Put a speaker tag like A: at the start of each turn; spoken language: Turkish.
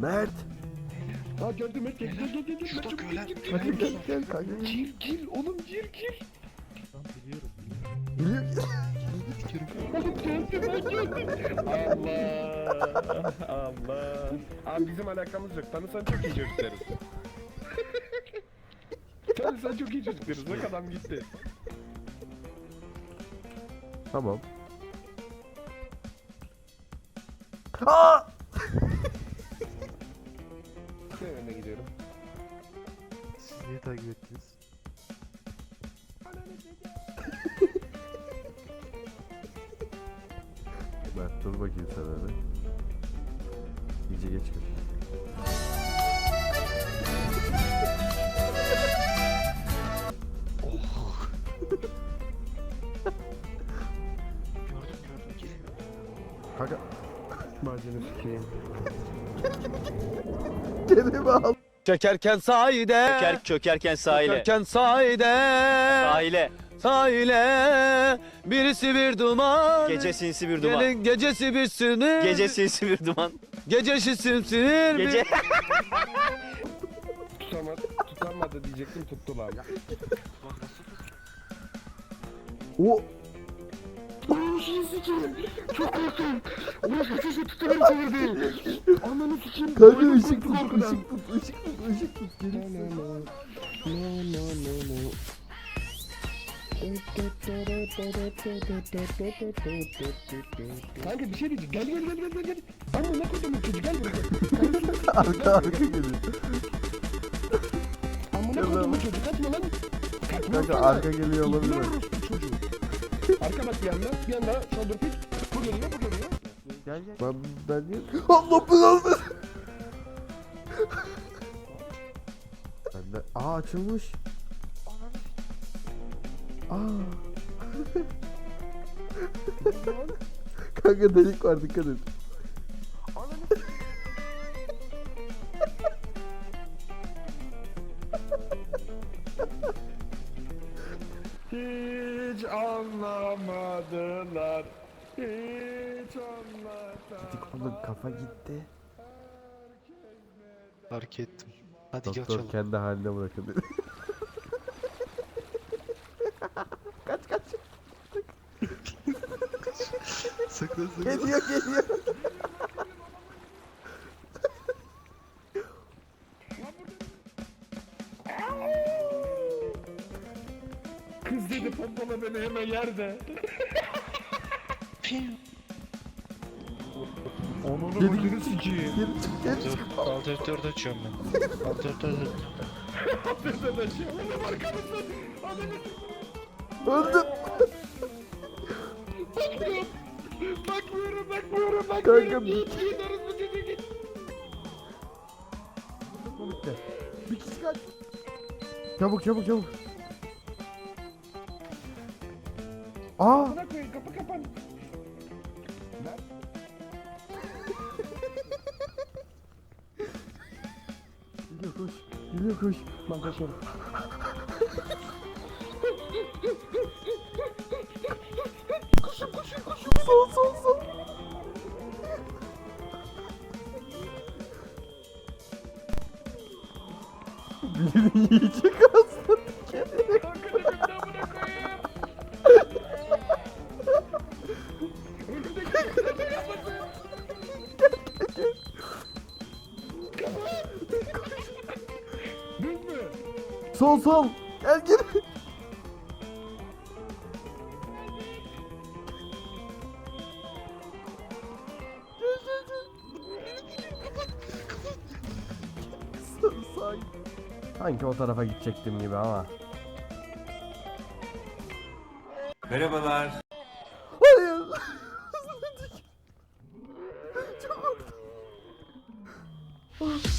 A: Mert.
B: Ha gördüm Mert, gel.
C: Şurada köyler.
A: Kanka gel kanka.
B: Gir oğlum gir.
C: Tamam biliyorum.
A: Biliyor.
B: Oğlum geldim ben geldim. Allah. Abi bizim alakamız yok. Tanısan çok iyi çocuklarız. Tanısan çok iyi çocuklarız. Bak adam gitti.
A: Tamam. Aa!
B: Ne önüne gidiyorum.
C: Siz niye takip ettiniz?
A: Mert dur bakayım sen öyle. İyice geçmiş.
C: Gördüm geliyor.
A: Kanka
B: Macunu sikeyim.
A: kendimi al.
D: Çökerken sahide.
E: Çökerken sahile.
D: Çökerken sahide.
E: Sahile.
D: Sahile. Birisi bir duman.
E: Gece sinsi bir duman.
D: Gelin gecesi bir sinir.
E: Gece sinsi bir duman.
D: Gecesi simsinir.
E: Gece.
B: Tutamadı diyecektim, tuttular.
A: O
B: Ananı sikeyim. Çok korktum. Ulan kaçışı tutamam çevirdi. Ananı sikeyim.
A: kanka
B: Boynum
A: ışık
B: koptu
A: tut,
B: korkudan.
A: ışık tut. Geri.
B: No. Kanka bir şey diyeceğim. Gel. Ama ne koydum çocuk, gel buraya.
A: Arka geliyor.
B: Amına koydum çocuk, kaçma lan. Kaçma
A: Kanka
B: sana.
A: arka geliyor olabilir.
B: İbne orospu çocuğu. Arka bak bir yanda shoulder pick. Bu geliyor.
A: Gel. Ben niye? Allah belanı. Ben de açılmış. Kanka delik var, dikkat et.
B: Hiç anlamadılar. Hiç anlamadılar.
A: Oğlum kafa gitti.
C: Fark ettim. Hadi gel
A: Doktor
C: açalım.
A: kendi haline bırakın dedi. kaç.
C: Saklan.
A: Geliyor.
B: Kız dedi pompala beni hemen yerde. Onun
A: Geri
B: ucunu sikeyim.
A: Geri çık.
C: Alternatörde açıyorum ben. Alternatörde.
B: Affedersin aşağı. Oğlum arkamızda. Ananı
A: Öldüm.
B: bakmıyorum.
A: Kanka
B: Git orası çocuğu git.
A: Bir kişi kaç. Çabuk. Aa!
B: Buna koyun, kapı kapan.
A: Geliyor koş.
B: Ben kaçıyorum.
A: Sol. Birini yiyecek aslında.
B: Kanka dedim de buna koyayım. Önümdeki kapıyı kapatın. Düz mü?
A: Sol. Gel. Sanki o tarafa gidecektim gibi ama.
D: Merhabalar.
A: Hayır. Çok korktum.